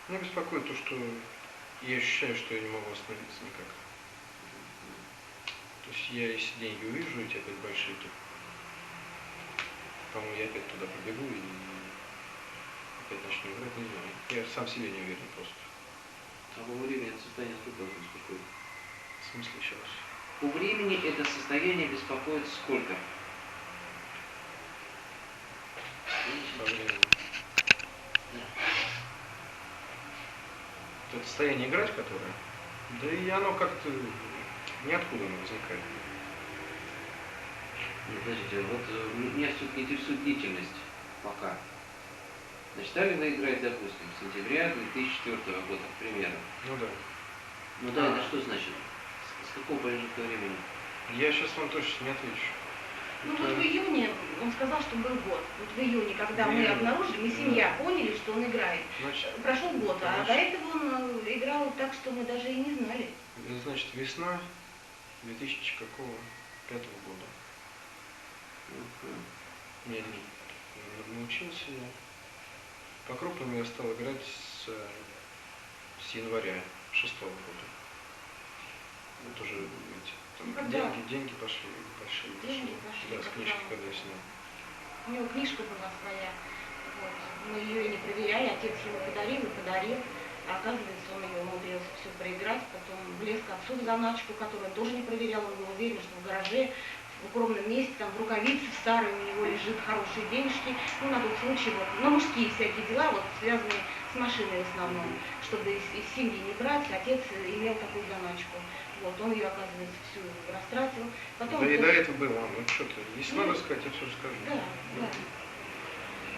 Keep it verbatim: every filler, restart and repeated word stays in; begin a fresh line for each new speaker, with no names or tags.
Меня беспокоит то, что я ощущаю, что я не могу остановиться никак. То есть я, если деньги увижу, эти опять большие, то, по-моему, я опять туда побегу и опять начну играть, не знаю. Я сам себе не уверен просто.
А во времени это состояние сколько вас беспокоит?
В смысле еще раз?
По времени это состояние беспокоит сколько?
По времени.
Да.
Это состояние играть, которое? Да и оно как-то ниоткуда не возникает.
Нет, подождите, вот э, меня все-таки интересует длительность пока. Значит, стали вы играть, допустим, с сентября две тысячи четвёртого года, к примеру.
Ну да.
Ну да, это что значит? С, с какого промежутка времени?
Я сейчас вам точно не отвечу.
Ну
Это...
вот в июне он сказал, что был год. Вот в июне, когда
В
мы
июне.
обнаружили, мы семья поняли, что он играет.
Значит,
Прошел год, а
значит,
до этого он э, играл так, что мы даже и не знали.
Значит, весна две тысячи пятого года.
Uh-huh.
Я не научился я. По-крупному я стал играть с, с января шестого года. Вот уже, видите, там
Ну,
деньги, деньги пошли, пошли,
Деньги
пошли.
пошли,
Да, с
как
книжки,
правило.
когда я снял.
У него книжка была своя. Вот. Мы ее и не проверяли, отец его подарил и подарил. А оказывается, он ее умудрился все проиграть, потом влез к отцу в заначку, которую он тоже не проверял, он был уверен, что в гараже, в укромном месте, там в рукавице в старой у него лежит хорошие денежки, ну, на тот случай, вот, ну, мужские всякие дела, вот, связанные с машиной в основном, чтобы из, из семьи не брать, отец имел такую заначку. Вот, он ее, оказывается, всю растратил. Потом
Да и до
тоже...
этого было, ну что ты, если
Ну,
надо сказать, я все расскажу.
Да, да.